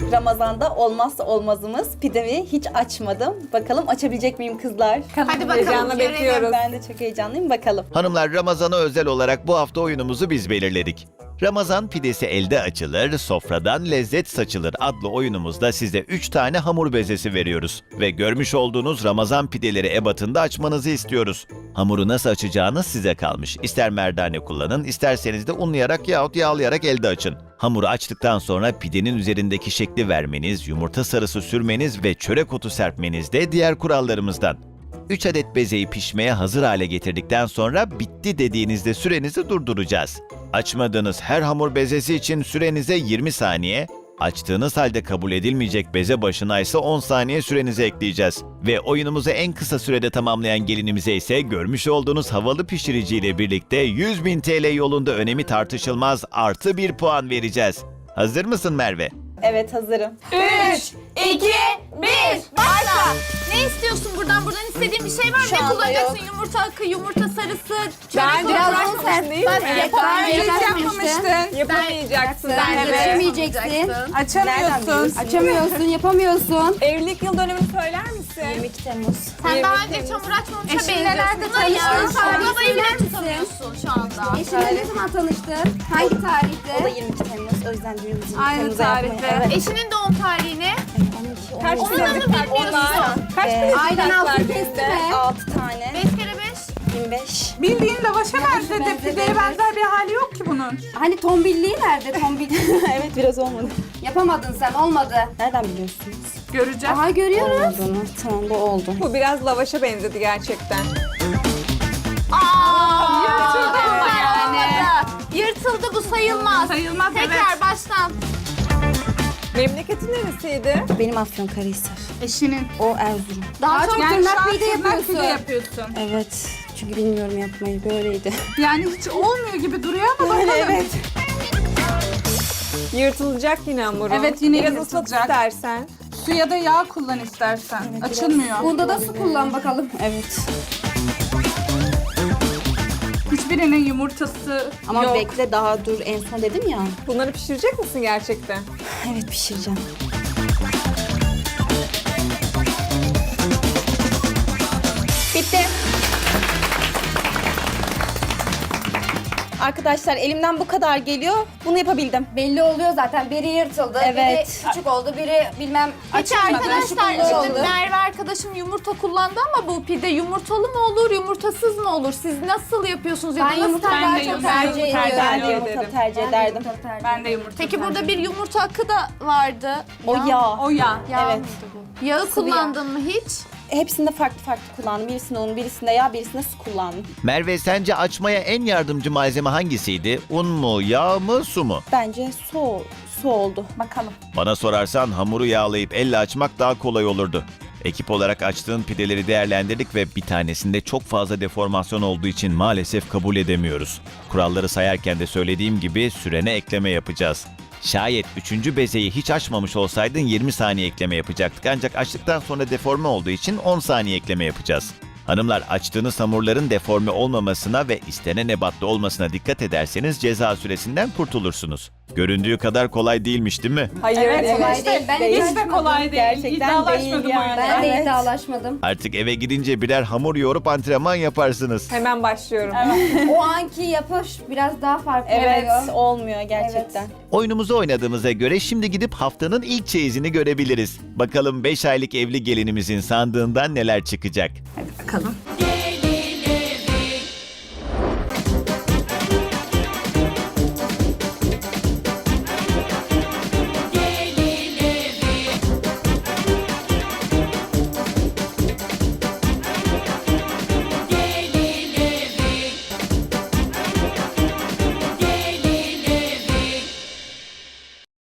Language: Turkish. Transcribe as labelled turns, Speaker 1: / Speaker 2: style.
Speaker 1: Ramazan'da olmazsa olmazımız pidemi hiç açmadım. Bakalım açabilecek miyim kızlar?
Speaker 2: Hadi bakalım bekliyoruz.
Speaker 1: Ben de çok heyecanlıyım, bakalım.
Speaker 3: Hanımlar, Ramazan'a özel olarak bu hafta oyunumuzu biz belirledik. Ramazan pidesi elde açılır, sofradan lezzet saçılır adlı oyunumuzda size 3 tane hamur bezesi veriyoruz. Ve görmüş olduğunuz Ramazan pideleri ebatında açmanızı istiyoruz. Hamuru nasıl açacağınız size kalmış. İster merdane kullanın, isterseniz de unlayarak yahut yağlayarak elde açın. Hamuru açtıktan sonra pidenin üzerindeki şekli vermeniz, yumurta sarısı sürmeniz ve çörek otu serpmeniz de diğer kurallarımızdan. 3 adet bezeyi pişmeye hazır hale getirdikten sonra bitti dediğinizde sürenizi durduracağız. Açmadığınız her hamur bezesi için sürenize 20 saniye, açtığınız halde kabul edilmeyecek beze başına ise 10 saniye sürenizi ekleyeceğiz. Ve oyunumuzu en kısa sürede tamamlayan gelinimize ise görmüş olduğunuz havalı pişiriciyle birlikte 100.000 TL yolunda önemi tartışılmaz artı 1 puan vereceğiz. Hazır mısın Merve?
Speaker 1: Evet, hazırım.
Speaker 2: 3, 2, 1, başla. Ne istiyorsun buradan? Buradan istediğin bir şey var mı?
Speaker 1: Şu
Speaker 2: Ne
Speaker 1: anda
Speaker 2: kullanacaksın?
Speaker 1: yok.
Speaker 2: Yumurta akı, yumurta sarısı, çörek
Speaker 4: Bence
Speaker 2: otu.
Speaker 4: biraz
Speaker 2: uğraşmamışsın
Speaker 4: sert değil mi?
Speaker 2: Evet,
Speaker 4: Daha önce hiç
Speaker 5: yapmamıştın.
Speaker 4: yapmamıştın. Yapamayacaksın.
Speaker 5: Sen
Speaker 4: Evet.
Speaker 5: geçemeyeceksin.
Speaker 4: Açamıyorsun.
Speaker 5: Açamıyorsun, yapamıyorsun.
Speaker 4: Evlilik yıl dönemini söyler misin?
Speaker 1: 22 Temmuz.
Speaker 2: Sen daha önce hiç hamur açmamışa
Speaker 5: Eşinle nerede
Speaker 2: benziyorsun.
Speaker 5: tanıştın?
Speaker 2: Babayı bile
Speaker 5: Söyler misin?
Speaker 2: tutamıyorsun şu anda.
Speaker 5: Eşinle ne zaman tanıştın? Hangi
Speaker 1: O da
Speaker 5: tarihte?
Speaker 1: 22 Temmuz. O yüzden düğünümüzü 22
Speaker 4: Aynı
Speaker 1: Temmuz'a
Speaker 4: tarihte.
Speaker 1: yapmayı. Evet.
Speaker 2: Eşinin doğum tarihini.
Speaker 4: Kaç
Speaker 2: Onu da mı bilmiyorsun?
Speaker 4: Kaç bilezik
Speaker 5: Aynen
Speaker 4: taktılar
Speaker 5: altın
Speaker 4: düğünde?
Speaker 5: kesti mi?
Speaker 1: 6 tane.
Speaker 2: 5 kere 5.
Speaker 1: 25.
Speaker 6: Bildiğin lavaşa benzedi.
Speaker 5: benzer,
Speaker 6: Pideye
Speaker 5: benzer.
Speaker 6: benzer bir hali yok ki bunun.
Speaker 5: Hani tombilliği nerede? Tombilliği.
Speaker 1: Evet, biraz olmadı.
Speaker 5: Yapamadın sen, olmadı.
Speaker 1: Nereden biliyorsunuz?
Speaker 6: Göreceğiz.
Speaker 5: Aha görüyoruz.
Speaker 1: Olduğunu. Tamam, bu oldu.
Speaker 4: Bu biraz lavaşa benzedi gerçekten.
Speaker 2: Yırtıldı ama yani. Yırtıldı, bu sayılmaz.
Speaker 6: Sayılmaz,
Speaker 2: Tekrar baştan.
Speaker 4: Memleketin neresiydi?
Speaker 1: Benim Afyonkarahisar.
Speaker 6: Eşinin.
Speaker 1: O Erzurum.
Speaker 5: Daha çok
Speaker 6: Yani
Speaker 5: tırnak
Speaker 6: şu an
Speaker 5: pide
Speaker 6: tırnak pide
Speaker 5: yapıyorsun.
Speaker 6: yapıyorsun.
Speaker 1: Evet. Çünkü bilmiyorum yapmayı. Böyleydi.
Speaker 6: Yani hiç olmuyor gibi duruyor ama bakalım.
Speaker 1: Evet.
Speaker 4: Yırtılacak yine hamuru.
Speaker 6: Evet, yine
Speaker 4: biraz
Speaker 6: yırtılacak.
Speaker 4: ıslat istersen.
Speaker 6: Su ya da yağ kullan istersen. Açılmıyor.
Speaker 5: Bunda da su kullan bakalım.
Speaker 1: Evet.
Speaker 6: Hiçbirinin yumurtası
Speaker 1: Ama
Speaker 6: yok.
Speaker 1: bekle, daha dur. En son dedim ya.
Speaker 4: Bunları pişirecek misin gerçekten?
Speaker 1: Evet, pişireceğim. Bitti. Arkadaşlar, elimden bu kadar geliyor. Bunu yapabildim.
Speaker 5: Belli oluyor zaten. Biri yırtıldı,
Speaker 1: Evet.
Speaker 5: biri küçük oldu, biri bilmem
Speaker 2: Peki
Speaker 5: açılmadı,
Speaker 2: arkadaşlar,
Speaker 5: şıkırlı
Speaker 2: şimdi
Speaker 5: oldu.
Speaker 2: Merve arkadaşım yumurta kullandı ama bu pide yumurtalı mı olur, yumurtasız mı olur? Siz nasıl yapıyorsunuz ya da
Speaker 5: Ben
Speaker 2: nasıl
Speaker 5: yumurta
Speaker 6: Ben
Speaker 5: daha
Speaker 6: de
Speaker 5: çok
Speaker 6: yumurta
Speaker 5: tercih
Speaker 6: tercih
Speaker 5: ediyorum.
Speaker 1: Ben de
Speaker 6: ederim.
Speaker 1: yumurta tercih ederdim.
Speaker 6: Ben de yumurta.
Speaker 2: Peki burada bir yumurta akı da vardı.
Speaker 1: O yağ.
Speaker 6: O yağ.
Speaker 1: Evet.
Speaker 2: Yağı kullandın mı hiç?
Speaker 1: Hepsinde farklı farklı kullandım. Birisinde un, birisinde yağ, birisinde su kullandım.
Speaker 3: Merve, sence açmaya en yardımcı malzeme hangisiydi? Un mu, yağ mı, su mu?
Speaker 1: Bence su oldu.
Speaker 6: Bakalım.
Speaker 3: Bana sorarsan hamuru yağlayıp elle açmak daha kolay olurdu. Ekip olarak açtığın pideleri değerlendirdik ve bir tanesinde çok fazla deformasyon olduğu için maalesef kabul edemiyoruz. Kuralları sayarken de söylediğim gibi sürene ekleme yapacağız. Şayet 3. bezeyi hiç açmamış olsaydın 20 saniye ekleme yapacaktık, ancak açtıktan sonra deforme olduğu için 10 saniye ekleme yapacağız. Hanımlar, açtığınız hamurların deforme olmamasına ve istenen ebatta olmasına dikkat ederseniz ceza süresinden kurtulursunuz. Göründüğü kadar kolay değilmiş, değil mi?
Speaker 4: Hayır.
Speaker 6: Evet,
Speaker 5: kolay değil. Ben
Speaker 1: Değil.
Speaker 6: Hiç de kolay değil.
Speaker 1: Gerçekten
Speaker 6: İddialaşmadım
Speaker 1: değil yani.
Speaker 6: öyle.
Speaker 5: Ben de
Speaker 1: Evet.
Speaker 5: iddialaşmadım.
Speaker 3: Artık eve gidince birer hamur yoğurup antrenman yaparsınız.
Speaker 4: Hemen başlıyorum.
Speaker 5: O anki yapış biraz daha farklı
Speaker 1: Evet,
Speaker 5: oluyor.
Speaker 1: olmuyor gerçekten.
Speaker 3: Oyunumuzu oynadığımıza göre şimdi gidip haftanın ilk çeyizini görebiliriz. Bakalım 5 aylık evli gelinimizin sandığından neler çıkacak.
Speaker 6: Hadi bakalım.